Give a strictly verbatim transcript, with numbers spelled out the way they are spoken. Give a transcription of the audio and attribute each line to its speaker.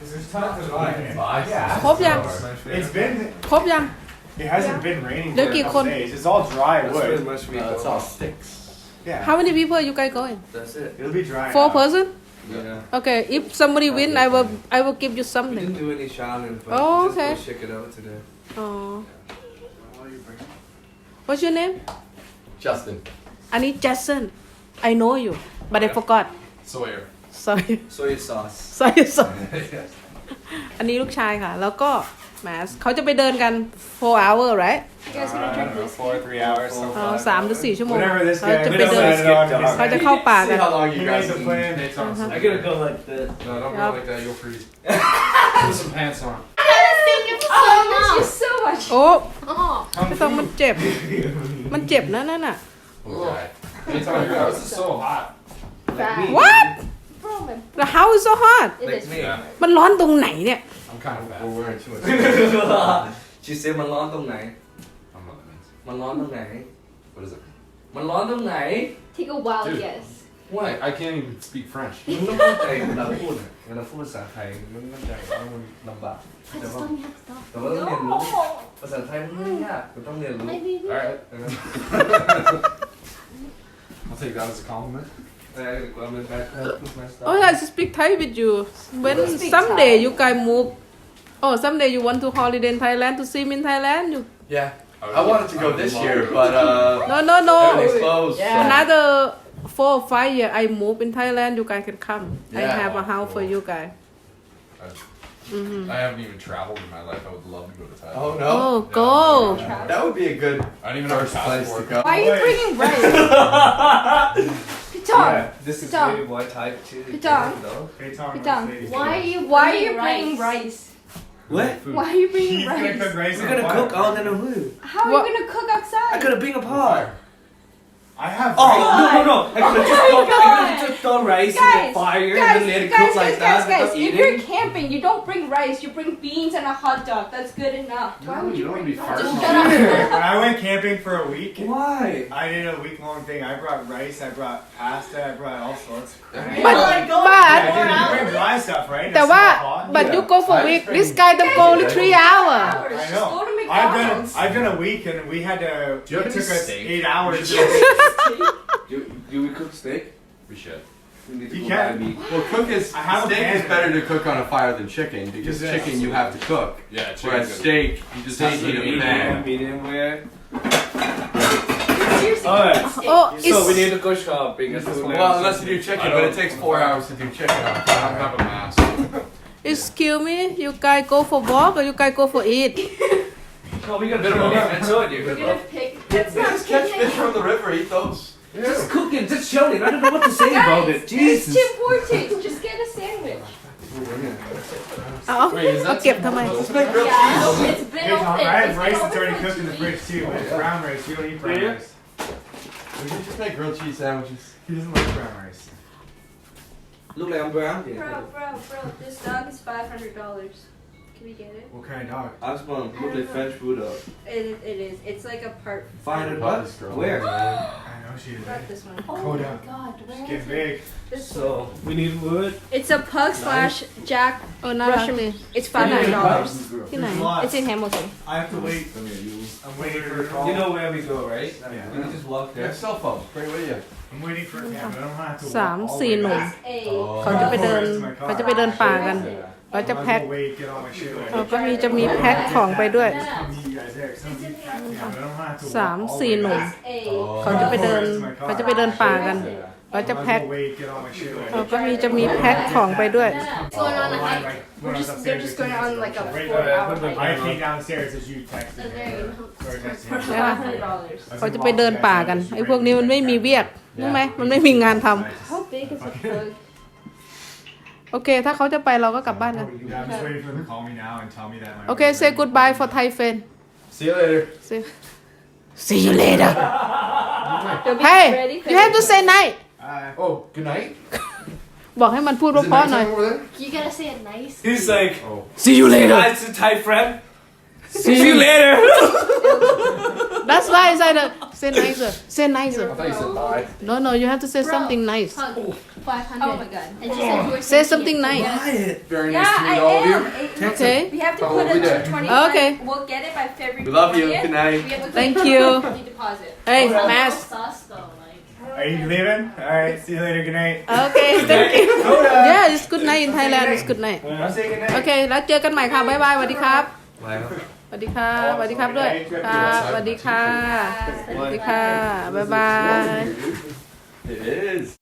Speaker 1: There's tons of rain.
Speaker 2: Yeah.
Speaker 3: ครบยัง
Speaker 1: It's been.
Speaker 3: ครบยัง
Speaker 1: It hasn't been raining for
Speaker 3: Look,
Speaker 1: a
Speaker 3: you
Speaker 1: couple
Speaker 3: con-
Speaker 1: days. It's all dry
Speaker 4: That's
Speaker 1: wood.
Speaker 4: pretty much me.
Speaker 2: No, it's all sticks.
Speaker 1: Yeah.
Speaker 3: How many people you guys going
Speaker 4: That's it.
Speaker 1: It'll be dry.
Speaker 3: four
Speaker 1: now.
Speaker 3: person
Speaker 4: Yeah.
Speaker 3: okay if somebody win I will I will give you
Speaker 4: We
Speaker 3: something
Speaker 4: didn't do any shouting, but
Speaker 3: Oh,
Speaker 4: just
Speaker 3: okay.
Speaker 4: go check it out today.
Speaker 3: oh what's your name
Speaker 2: Justin.
Speaker 3: อันนี้ Jason I know you but I forgot
Speaker 2: Sawyer.
Speaker 3: sorry
Speaker 4: Soy sauce.
Speaker 3: sorry sorry อันนี้ลูกชายค่ะ แล้วก็แหมเขาจะไปเดินกัน four hour right
Speaker 5: You guys
Speaker 1: Uh,
Speaker 5: gonna
Speaker 1: I
Speaker 5: drink
Speaker 1: don't know,
Speaker 5: whiskey?
Speaker 1: four, three hours.
Speaker 4: อ๋อ
Speaker 3: เออสามหรือสี่ชั่วโมง
Speaker 1: Whatever this
Speaker 3: เขา
Speaker 1: guy
Speaker 3: จะไป
Speaker 1: we
Speaker 3: เดิน
Speaker 1: decided on.
Speaker 3: เขาจะเข้าป่า
Speaker 2: See
Speaker 3: กัน
Speaker 2: how long you
Speaker 1: He
Speaker 2: guys
Speaker 1: made the
Speaker 2: can
Speaker 1: plan.
Speaker 2: eat.
Speaker 1: It's awesome.
Speaker 4: I gotta go like this.
Speaker 2: No, don't
Speaker 3: Yup.
Speaker 2: go like that. You'll freeze. Put some pants on.
Speaker 5: Thank you so much. so much.
Speaker 3: โอ้
Speaker 5: Oh.
Speaker 3: ไม่ต้องมันเจ็บ มันเจ็บนะนั่นน่ะ
Speaker 2: Okay. Anytime your house is so hot.
Speaker 4: Like me.
Speaker 3: what
Speaker 5: Bro, my
Speaker 3: the house is so hot
Speaker 5: it
Speaker 4: Like
Speaker 5: is.
Speaker 4: me.
Speaker 2: Yeah.
Speaker 3: มันร้อนตรงไหนเนี่ย
Speaker 2: I'm kind of bad. We're wearing too much.
Speaker 4: She said มันร้อนตรงไหน
Speaker 2: I don't know what that means.
Speaker 4: มันร้อนตรงไหน
Speaker 2: What is it?
Speaker 4: มันร้อนตรงไหน
Speaker 5: Take a wild
Speaker 2: Dude.
Speaker 5: guess.
Speaker 2: What? I can't even speak French.
Speaker 4: มึงต้องเข้าใจเวลาพูดอะเวลาพูดภาษาไทยมึงต้องเข้าใจว่ามันลำบาก
Speaker 5: But
Speaker 4: แต่ว่า
Speaker 5: stop, you have to stop.
Speaker 4: แต่ว่าต้องเรียนรู้ภาษาไทยมันไม่ยากมันต้องเรียนรู้
Speaker 5: Maybe.
Speaker 2: Alright. I'll take that as a compliment.
Speaker 4: แต่ความเป็นแบบพูดมาสไตล์
Speaker 3: Oh, I speak Thai with you. When
Speaker 5: Speak
Speaker 3: someday
Speaker 5: Thai.
Speaker 3: you guys move, oh, someday you want to holiday in Thailand to see me in Thailand. You
Speaker 2: Yeah.
Speaker 6: I wanted to go this year, but uh,
Speaker 3: no, no, no.
Speaker 6: everything's closed.
Speaker 5: Yeah.
Speaker 6: so-
Speaker 3: Another four or five year, I move in Thailand. You guys can come. I
Speaker 6: Yeah.
Speaker 3: have a house for you guys.
Speaker 2: I haven't even traveled in my life. I would love to go to Thailand.
Speaker 6: Oh no,
Speaker 3: Oh, go.
Speaker 6: that would be a good
Speaker 2: I don't even have a
Speaker 6: first place to
Speaker 2: passport.
Speaker 6: go.
Speaker 5: Why are you bringing rice? Piton.
Speaker 4: Yeah, this is
Speaker 5: Tom.
Speaker 4: really boy type too.
Speaker 5: Tom.
Speaker 4: No?
Speaker 1: Hey, Tom,
Speaker 5: Piton.
Speaker 1: ladies.
Speaker 5: Why are you Why are you bringing rice?
Speaker 4: What?
Speaker 5: Why are you
Speaker 1: He's
Speaker 5: bringing
Speaker 1: gonna cook
Speaker 5: rice?
Speaker 1: rice
Speaker 4: We're
Speaker 1: on
Speaker 4: gonna
Speaker 1: fire.
Speaker 4: cook all in a room.
Speaker 5: How are
Speaker 3: What?
Speaker 5: you gonna cook
Speaker 4: I
Speaker 5: outside?
Speaker 4: gotta bring a pot.
Speaker 1: I have.
Speaker 4: Oh
Speaker 1: rice.
Speaker 4: no no no! I could have just
Speaker 5: Oh my
Speaker 4: throw, I
Speaker 5: God.
Speaker 4: could just throw rice in
Speaker 5: Guys,
Speaker 4: the fire
Speaker 5: Guys,
Speaker 4: and then let it
Speaker 5: guys,
Speaker 4: cook
Speaker 5: guys,
Speaker 4: like
Speaker 5: guys,
Speaker 4: that
Speaker 5: guys,
Speaker 4: without
Speaker 5: if you're
Speaker 4: eating.
Speaker 5: camping, you don't bring rice, you bring beans and a hot dog. That's good enough. Why
Speaker 2: No,
Speaker 5: would
Speaker 2: you
Speaker 5: you
Speaker 2: don't
Speaker 5: bring
Speaker 2: wanna be
Speaker 5: rice?
Speaker 2: farting
Speaker 5: Just
Speaker 2: all
Speaker 5: shut up.
Speaker 1: When I went camping for a week,
Speaker 4: Why?
Speaker 1: I did a week long thing. I brought rice, I brought pasta, I brought all sorts. Of crap.
Speaker 3: But,
Speaker 1: Yeah,
Speaker 3: but,
Speaker 1: I did. You bring dry stuff, right?
Speaker 3: แต่
Speaker 1: It's
Speaker 3: ว่า
Speaker 1: not hot.
Speaker 3: but you go for week. This guy them go only three hour.
Speaker 5: Hours.
Speaker 1: I
Speaker 5: Just
Speaker 1: know.
Speaker 5: go to
Speaker 1: I've done
Speaker 5: McDonald's.
Speaker 1: I've done a week and we had to.
Speaker 2: Do you have
Speaker 1: it
Speaker 2: any
Speaker 1: took us
Speaker 2: steak?
Speaker 1: eight hours.
Speaker 4: Do, do we cook steak?
Speaker 2: We should.
Speaker 4: We need to
Speaker 1: You
Speaker 4: go
Speaker 1: can.
Speaker 4: buy meat.
Speaker 6: Well, cook is
Speaker 1: I have a
Speaker 6: steak
Speaker 1: pan.
Speaker 6: is better to cook on a fire than chicken because
Speaker 1: Yes.
Speaker 6: chicken you have to cook,
Speaker 2: Yeah, chicken's
Speaker 6: whereas
Speaker 2: good.
Speaker 6: steak you just have to
Speaker 2: Steak,
Speaker 6: heat
Speaker 2: you
Speaker 6: a
Speaker 2: eat
Speaker 6: pan.
Speaker 4: Medium rare.
Speaker 5: Seriously.
Speaker 4: Alright.
Speaker 3: Oh,
Speaker 4: So we
Speaker 3: it's
Speaker 4: need to go shopping as soon as.
Speaker 6: Well, unless you do chicken,
Speaker 2: I
Speaker 6: but it
Speaker 2: don't-
Speaker 6: takes four hours to do chicken on
Speaker 2: I don't
Speaker 6: fire.
Speaker 2: have a mask.
Speaker 3: excuse me. You guys go for walk or you guys go for eat?
Speaker 4: No, we gotta throw it. I told you.
Speaker 5: We're gonna pick. That's not
Speaker 6: Just catch
Speaker 5: picnic.
Speaker 6: fish from the river, eat those.
Speaker 4: Just cooking, just showing. I don't know what to say about
Speaker 5: Guys,
Speaker 4: it.
Speaker 5: it's
Speaker 4: Jesus.
Speaker 5: Tim Hortons. Just get a sandwich.
Speaker 3: เอา
Speaker 2: Wait, is
Speaker 3: เอา
Speaker 2: that
Speaker 3: เก็บทำไม
Speaker 6: Let's make grilled
Speaker 5: Yeah,
Speaker 6: cheese.
Speaker 5: it's been
Speaker 1: Hey, Tom,
Speaker 5: open.
Speaker 1: I have
Speaker 5: It's
Speaker 1: rice
Speaker 5: been
Speaker 1: that's already
Speaker 5: open for
Speaker 1: cooked in the
Speaker 5: two
Speaker 1: fridge
Speaker 5: weeks.
Speaker 1: too, but it's brown rice. You don't eat brown
Speaker 4: Yeah.
Speaker 1: rice.
Speaker 6: We should just make grilled cheese sandwiches.
Speaker 1: He doesn't like brown rice.
Speaker 4: Look like I'm brown.
Speaker 5: Bro, bro, bro, this dog is five hundred dollars. Can we get it?
Speaker 1: What kind of dog?
Speaker 4: I was going to look like French bulldog.
Speaker 5: It, it is. It's like a part.
Speaker 4: five hundred
Speaker 6: Love
Speaker 4: bucks?
Speaker 6: this girl.
Speaker 4: Where?
Speaker 1: I know she is.
Speaker 5: Not this one.
Speaker 1: Go
Speaker 5: Oh my
Speaker 1: down.
Speaker 5: god, where
Speaker 1: She's
Speaker 5: is
Speaker 1: getting
Speaker 5: it?
Speaker 1: big.
Speaker 5: This one.
Speaker 4: So, we need wood.
Speaker 5: It's a pug slash Jack
Speaker 3: เออน่ารัก
Speaker 5: Russian.
Speaker 3: เลย
Speaker 5: It's five hundred dollars.
Speaker 3: ที่ไหน
Speaker 1: There's lots.
Speaker 5: It's in Hamilton.
Speaker 1: I have to wait. I'm waiting for a call.
Speaker 4: You know where we go, right?
Speaker 1: Yeah.
Speaker 4: We can just walk
Speaker 6: Yeah,
Speaker 4: there.
Speaker 6: cell phone. Bring it with you.
Speaker 1: I'm waiting for a cab. I don't have to
Speaker 3: สาม
Speaker 1: walk all
Speaker 3: สี่
Speaker 1: the way
Speaker 3: หนุ่ม
Speaker 1: back.
Speaker 5: A
Speaker 6: Oh.
Speaker 3: เขาจะไปเดิน เขาจะไปเดินป่ากัน เราจะแพ็ค
Speaker 1: I might as well wait, get all my shit ready.
Speaker 3: เราก็มีจะมีแพ็คของไปด้วย
Speaker 1: Come meet you guys there. Some of you pack me up. I don't have to walk
Speaker 3: สาม
Speaker 1: all the
Speaker 3: สี่
Speaker 1: way
Speaker 3: หนุ่ม
Speaker 1: back.
Speaker 5: A.
Speaker 3: เขาจะไปเดิน เขาจะไปเดินป่ากัน เราจะ
Speaker 1: I might
Speaker 3: แพ็ค
Speaker 1: as well wait, get all my shit ready.
Speaker 3: เราก็มีจะมีแพ็คของไปด้วย
Speaker 5: It's going on a hike. We're just, they're just going on like a
Speaker 1: Right.
Speaker 5: four hour
Speaker 1: I
Speaker 5: hike.
Speaker 1: came downstairs as you texted
Speaker 5: And
Speaker 1: me.
Speaker 5: there you go.
Speaker 1: Or texted
Speaker 5: For
Speaker 1: me.
Speaker 5: five hundred dollars.
Speaker 3: เขาจะไปเดินป่ากัน ไอ้พวกนี้มันไม่มีเวียกรู้ไหมมันไม่มีงานทำ
Speaker 5: How big is a pug?
Speaker 3: โอเค ถ้าเขาจะไปเราก็กลับบ้านกัน
Speaker 1: Yeah, I'm just waiting for them to call me now and tell me that my
Speaker 3: โอเค say goodbye for Thai friend
Speaker 6: See you later.
Speaker 3: see see you later
Speaker 5: They'll be
Speaker 3: hey
Speaker 5: ready for
Speaker 3: you have to say night
Speaker 1: Uh,
Speaker 2: Oh, good night.
Speaker 3: บอกให้มันพูด
Speaker 2: Is it
Speaker 3: เพราะๆหน่อย
Speaker 2: nighttime over there?
Speaker 5: You gotta say it nice.
Speaker 4: He's like,
Speaker 2: Oh.
Speaker 3: see you later
Speaker 4: hi to Thai friend. See you later.
Speaker 3: that's why I said uh, say nicer say nicer
Speaker 2: I thought you said bye.
Speaker 3: no no you have to say
Speaker 5: Bro.
Speaker 3: something nice
Speaker 5: Hug. five hundred. Oh my god. And she said you were
Speaker 3: Say
Speaker 5: taking
Speaker 3: something
Speaker 5: it.
Speaker 3: nice.
Speaker 5: Yes.
Speaker 2: Very
Speaker 5: Yeah,
Speaker 2: nice to
Speaker 5: I
Speaker 2: meet all of you.
Speaker 5: am. It-
Speaker 3: okay
Speaker 5: We have to
Speaker 2: How
Speaker 5: put
Speaker 2: will
Speaker 5: it
Speaker 2: we
Speaker 5: to
Speaker 2: do?
Speaker 5: twenty-one.
Speaker 3: Okay.
Speaker 5: We'll get it by February.
Speaker 6: We love you.
Speaker 5: twentieth.
Speaker 6: Good night.
Speaker 5: We have to
Speaker 3: Thank
Speaker 5: put
Speaker 3: you
Speaker 5: money deposit.
Speaker 3: hey
Speaker 5: Also,
Speaker 3: Mass
Speaker 5: sauce though, like.
Speaker 1: Are you leaving? All right. See you later. Good night.
Speaker 3: okay thank you
Speaker 1: Coda.
Speaker 3: yeah it's good night in Thailand it's good night
Speaker 1: I'll say good night.
Speaker 3: โอเคแล้วเจอกันใหม่ค่ะบ๊ายบายสวัสดีครับ
Speaker 4: ไว้ครับ
Speaker 3: สวัสดีครับสวัสดีครับด้วยครับสวัสดีค่ะสวัสดีค่ะบ๊ายบาย
Speaker 6: It is.